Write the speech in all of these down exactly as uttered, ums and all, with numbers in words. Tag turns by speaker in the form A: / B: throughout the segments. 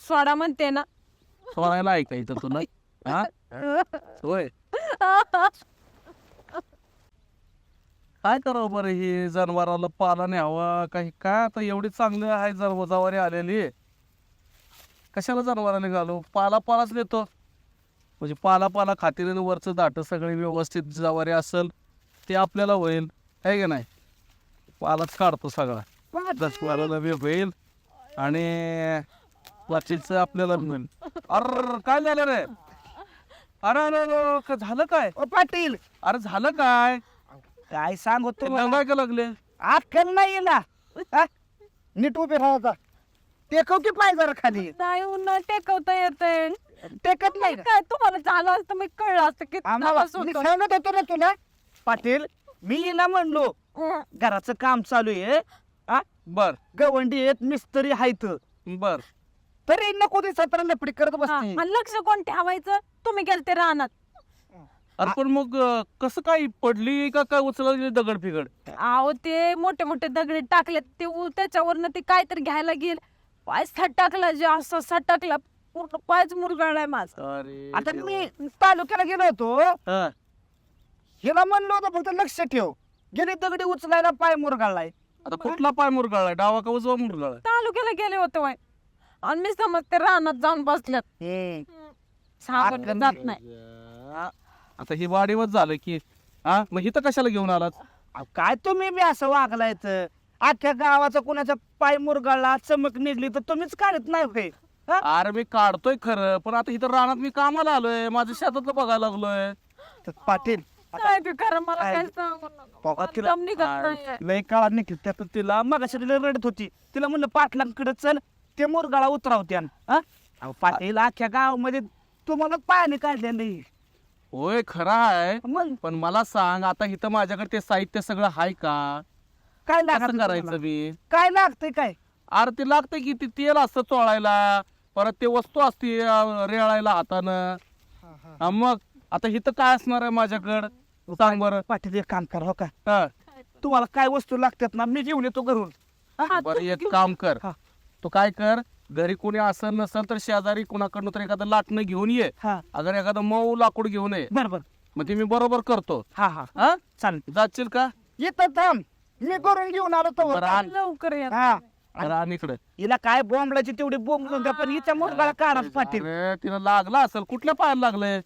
A: सोडा म्हणते ना.
B: सोडायला ऐकायचं तुला हा होय काय करावं बरं हे जनावराला पाला न्यावा काही काय आता एवढी चांगली आहे जर जवारी आलेली कशाला जनावराने घालू पाला पालाच देतो म्हणजे पाला पाला खातील वरचं दाट सगळे व्यवस्थित जवारी असेल ते आपल्याला होईल आहे की नाही पालाच काढतो सगळा दस पाला बी होईल आणि वाचीचं आपल्याला मिळेल. अरे काय झालं रे अरे अरे अरे, क- झालं काय
C: ओ पाटील
B: अरे झालं काय
C: काय सांगतो
B: काय का लागले
C: अक्कल नाही ना हा? नीट उभे राहायचा टेकव की पाय जरा खाली
A: नाही उन्हा टेकवता येते.
C: टेकत नाही का?
A: काय तुम्हाला झालं असतं मी कळलं असतं की
C: आम्हाला
A: त्रास
C: मी
A: होतो.
C: सांगत होतो ना तुला पाटील मी हिला म्हणलो
A: हं.
C: घराचं काम चालू आहे हा?
B: बर
C: गवंडी आहेत मिस्त्री आहेत
B: बर
C: तरी नको ते सतरा लपडी करत
A: हा,
C: बसते
A: आणि लक्ष कोण ठेवायचं तुम्ही गेलते रानात.
B: अरे पण मग अं, कसं काय पडली का काय उचलली दगड फिगड
A: अहो ते मोठे मोठे दगडे टाकले ते उ- त्याच्यावरनं ते काहीतरी घ्यायला गेल पाय सटकला जे असं सटकला पूर्ण पायच मुरगळलाय माझा.
B: अरे
C: आता मी तालुक्याला गेलो होतो
B: हा.
C: हिला म्हणलो होतं फक्त लक्ष ठेव गेले दगडी उचलायला पाय मुरगाळलाय
B: आता कुठला पाय मुरगाळाय डावा का उजवा मुरगाळाय
A: तालुक्याला गेले होते वाय आणि मी समज ते रानात जाऊन बसल्यात सागर
C: आत-
A: जात नाही.
B: आता ही वाढीवच झालं की हा मग इथं कशाला घेऊन आलात
C: अहो, काय तुम्ही बी असं वागलाय तर अख्ख्या गावाचा कोणाचा पाय मुरगाळला चमक निघली तर तुम्हीच काढत नाही होय हा?
B: अरे मी काढतोय खरं पण आता इथं रानात मी कामाला आलोय माझ्या शेतातलं बघायला लागलोय
C: तर पाटील
A: काय ते खरं मला
C: काय?
A: काय सांगू नका.
C: बघा तिला-
A: दम निघत नाहीये.
C: लय काळात निघली त्यात तिला मग रडत होती तिला म्हणलं पाटलांकडे चल ते मुरगाळा उतरावत्यान हा? अहो, पाटील अख्ख्या गावामध्ये तुम्हाला पायाने काढले नाही
B: होय खरं आहे
C: मग
B: पण मला सांग आता इथं माझ्याकडे ते साहित्य सगळं आहे का
C: काय
B: कसं
C: लागतं
B: करायचं
C: तुम्हाला?
B: मी
C: काय लागतंय काय
B: अरे ते लागतं की ते तेल असतं चोळायला परत ते वस्तू असते अं, रेळायला हातानं हा, मग आता इथं काय असणार आहे माझ्याकडं सांग बरं
C: पाटील एक काम करा हो का
B: हा.
C: तुम्हाला काय वस्तू लागतात ना मी घेऊन येतो घरून
A: हा,
B: बरं
A: तू
B: एक
A: घेऊन-
B: काम कर
C: हा.
B: तू काय कर घरी कोणी असेल नसेल तर शेजारी कुणाकडनं तर एखादं लाटणं घेऊन ये
C: हा
B: अगर एखादं मऊ लाकूड घेऊन ये
C: बर बर
B: मग ते मी बरोबर करतो
C: हा हा
B: हा
C: चालेल
B: जाशील का
C: येतं थांब मी करून घेऊन आलो तो
B: बरं आण
A: लवकर या.
C: हा
B: बरं आण इकडे
C: हिला काय बोंबलाची तेवढी बोंब घेऊन द्या, पण हिच्या मुरगाळा काढा पाटील
B: अरे तिला लागला असेल कुठल्या पायाला लागलंय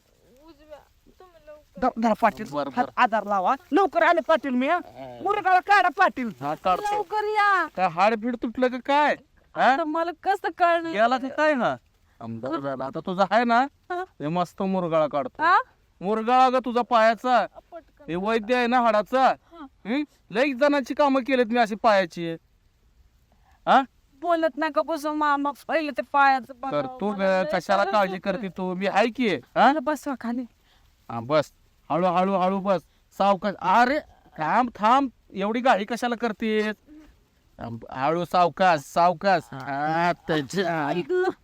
C: द- धरा पाटील
B: बरं,
C: हात आधार लावा लवकर आले पाटील मी हा. मुरगाळा काढा पाटील
B: हा काढतो
A: लवकर या.
B: काय हाडफीड तुटलं का काय हा?
A: आता मला कसं कळणार
B: गेला ते काय ना आमदार झाला आता तुझा आहे ना
A: हा?
B: ते मस्त मुरगाळा काढतो
A: हा?
B: मुरगाळा ग तुझा पायाचा
A: पटकन.
B: हे वैद्य आहे ना हाडाचा हं? लई जणांची कामं केलीत मी अशी पायाची हा
A: बोलत नका बसू मामा पहिले ते पायाचं बघावं.
B: तर तू
A: मला लय
B: कशाला
A: त्रास
B: काळजी
A: होतोय.
B: करते तू मी आहे की हा
A: मला बसवा खाली.
B: हा, बस हळू हळू हळू बस सावकाश अरे थांब थांब एवढी गाडी कशाला करतेस थांब, हळू सावकाश सावकाश हा, त्याच्या आई.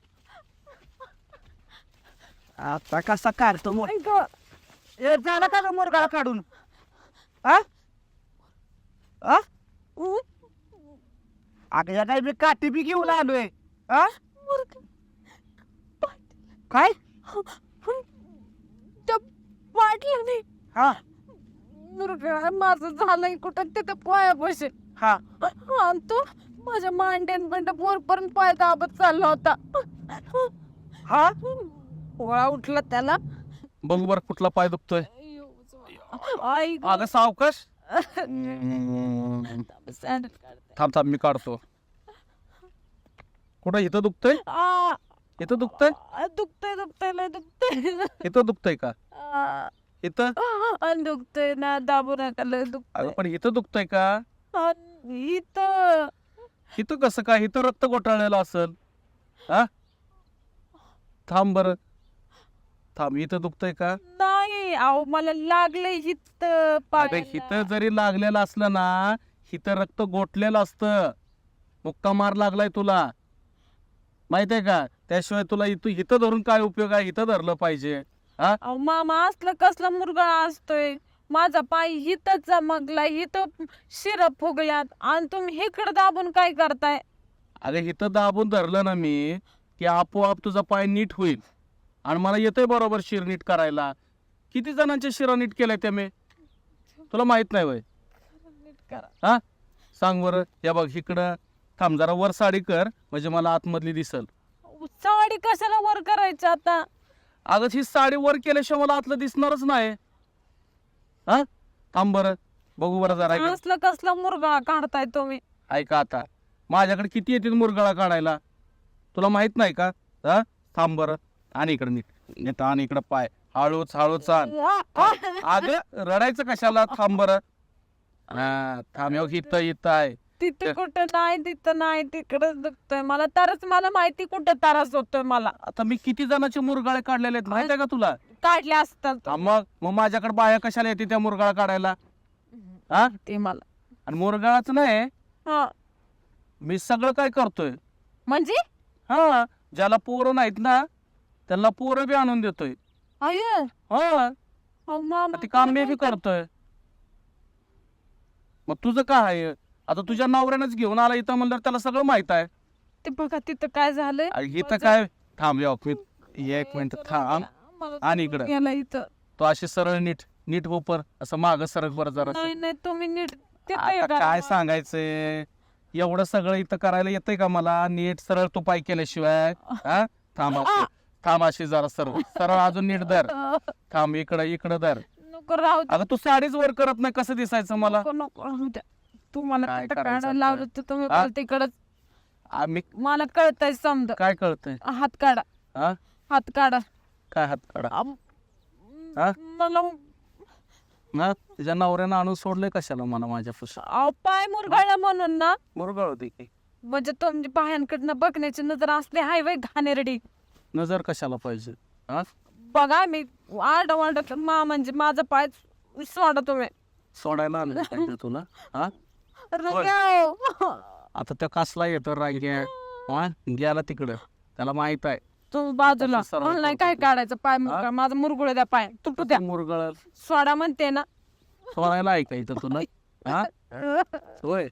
C: आता कसा काढतो मोर
A: आई गं.
C: ए, झाला का ग मुरगाळा काढून हा हा?
A: उ,
C: अगं या काय मी काठी बी घेऊन आलोय हा
A: मुर्ग-
C: काय
A: त्या पाटलाने
C: हा
A: मुरगा माझं झालंय कुठं तिथं पाया बसे
C: हा
A: आणि तो माझ्या मांड्यान बंड वरपर्यंत पाय दाबत चालला होता.
C: हा
A: गोळा उठला त्याला.
B: बघ बर कुठला पाय दुखतोय
A: आई गं.
B: अगं सावकाश
A: सँडल काढते.
B: थांब थांब मी काढतो कुठं इथं दुखतंय
A: आ,
B: इथं दुखतंय
A: आ, दुखतंय दुखतंय लय दुखतंय.
B: इथं दुखतंय का
A: आ,
B: इथं
A: आ, दुखतंय ना दाबू नका लय
B: अगं
A: दुखतंय.
B: पण इथं दुखतंय का
A: आ, इथं
B: इथं कसं काय इथं रक्त गोठाळलेलं असेल हा थांब बर थांब इथं दुखतंय का
A: नाही अहो मला लागलंय हित
B: अगं हिथं जरी लागलेलं असलं ना हिथं रक्त गोठलेलं असतं मुक्का मार लागलाय तुला माहितीये का त्याशिवाय तुला इथं हिथं धरून काय उपयोग आहे इथं धरलं पाहिजे हा
A: अहो मामा असलं कसला मुरगा असतोय माझा पाय हिथं चमकलाय हिथं शिर फुगल्यात आणि तुम्ही इकडं दाबून काय करताय.
B: अगं इथं दाबून धरलं ना मी की आपोआप तुझा पाय नीट होईल. आणि मला येतंय बरोबर शिर नीट करायला. किती जणांच्या शिरा नीट केल्या त्या मी, तुला माहित नाही वय?
A: नीट करा.
B: हा सांग बरं. या बघ इकडं थांब जरा, वर साडी कर म्हणजे मला आतमधली दिसल.
A: साडी कशाला वर करायची आता?
B: अगं ही साडी वर केल्याशिवाय मला आतलं दिसणारच नाही. हा थांब बरं, बघू बरं जरा इकडं.
A: असलं कसला मुरगा काढताय तुम्ही?
B: ऐका आता, माझ्याकडे किती येतील मुरगाळा काढायला, तुला माहित नाही का? हा थांब बरं, आणि इकडं नीट नीट आणि इकडं पाय हळूच हळूच आण. अगं रडायचं कशाला, थांब बरं. हा थांब, हो इथं इथं आहे.
A: तिथं कुठं नाही, तिथं नाही, तिकडच दुखतोय मला. तरच मला माहिती कुठं त्रास होतोय मला.
B: आता मी किती जणांचे मुरगाळे काढलेले आहेत माहित आहे का तुला?
A: काढले असतात
B: हा, मग मग माझ्याकडे बाया कशाला येते त्या मुरगाळा काढायला? हा
A: ते मला.
B: आणि मुरगाळाच नाही,
A: हा
B: मी सगळं काय करतोय.
A: म्हणजे
B: हा ज्याला पोरं नाहीत ना त्यांना पोरं बी आणून देतोय.
A: अय्य,
B: हा
A: अहो मामा,
B: ते काम मी बी करतोय. मग तुझं काय आहे? आता तुझ्या नवऱ्यानंच घेऊन आला इथं म्हणल्यावर त्याला सगळं माहित आहे.
A: ते बघा तिथं काय झालंय.
B: अरे इथं काय, थांब या मी एक मिनिट थांब.
A: मला
B: आणि इकडं
A: गेला इथं.
B: तो अशी सरळ नीट नीट हो पर असं माग सरक बरं जरा.
A: नाही नाही तुम्ही नीट ते
B: आता काय सांगायचंय, एवढं सगळं इथं करायला येतंय का मला? नीट सरळ तो पाय केल्याशिवाय. हा थांब अशी- थांब अशी जरा सरळ सरळ अजून नीट धर. थांब इकडं इकडं धर.
A: नको राहू द्या.
B: अगं तू साडीच वर करत नाही, कसं दिसायचं मला?
A: नको नको राहू द्या. तुम्हाला
B: काय
A: तिथं
B: करायचं
A: काढायला
B: आता?
A: लावलं तर तुम्ही
B: हा?
A: तिकडच.
B: आम्ही
A: मला कळतंय समज.
B: काय कळतंय?
A: हात काढा,
B: हा
A: हात काढा.
B: काय हात काढा?
A: आम-
B: हा?
A: मला
B: ना तुझ्या नवऱ्यानं आणून सोडलंय कशाला मला माझ्या फुसा?
A: अहो, पाय मुरगाळला म्हणून ना.
B: मुरगाळ होती की
A: म्हणजे तुमची बाह्यांकडनं बघण्याची नजर असली हाय वय घाणेरडी.
B: नजर कशाला पाहिजे? हा
A: बघा मी आरड वाढत मा म्हणजे माझा पाय सोडा तुम्ही.
B: सोडायला आलं पाहिजे तुला? हा
A: रंग्याव.
B: आता त्या कसला येतो रांग्या? हा गेला तिकडं, त्याला माहित आहे.
A: तुम्ही बाजूला
B: असं सरळ
A: मला नाही काय काढायचं पाय मुरगाळ. माझा मुरगुळ द्या, पाय तुटू द्या.
B: मुरगाळ
A: सोडा म्हणते ना.
B: सोडायला ऐकायचं तुला? हा होय.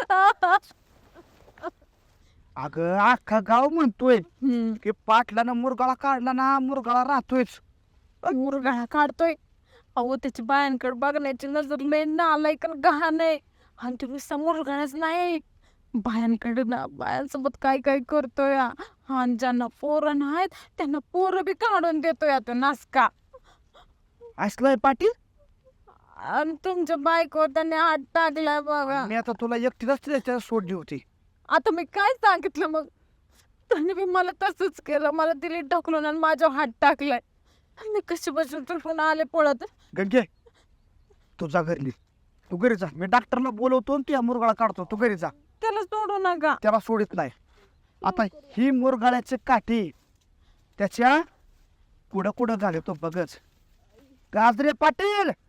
C: अगं अख्खा गाव म्हणतोय
A: हम्म.
C: की पाटलानं मुरगाळा काढला ना, मुरगाळा राहतोयच.
A: मुरगाळा काढतोय. अहो त्याची बायांकडे बघण्याची नजर लय नालाय का गहाण आहे. आणि तुम्ही समोर मुरगाळाच नाही, बायांकडे ना बायांसोबत काय काय करतोय. आणि ज्यांना पोरं नाहीत त्यांना पोरं बी काढून देतोय तो नासका.
C: असलंय पाटील.
A: आणि तुमच्या बायको त्याने हात टाकलाय बघा.
C: मी आता तुला एकटीलाच त्याच्या सोडली होती.
A: आता मी काय सांगितलं मग? त्याने बी मला तसंच केलं. मला दिली ढकलून आणि माझ्यावर हात टाकलाय. मी कशी बसून तुटून आले पळत.
C: गंगे तुझा घरी, तू घरी जा. मी डॉक्टरला बोलवतो आणि तुझ्या मुरगाळा काढतो. तू घरी जा,
A: त्याला सोडू नका.
C: त्याला सोडित नाही. आता ही मुरगाळ्याची काठी त्याच्या कुठं कुठं झाले तो बघच. गाजरे पाटील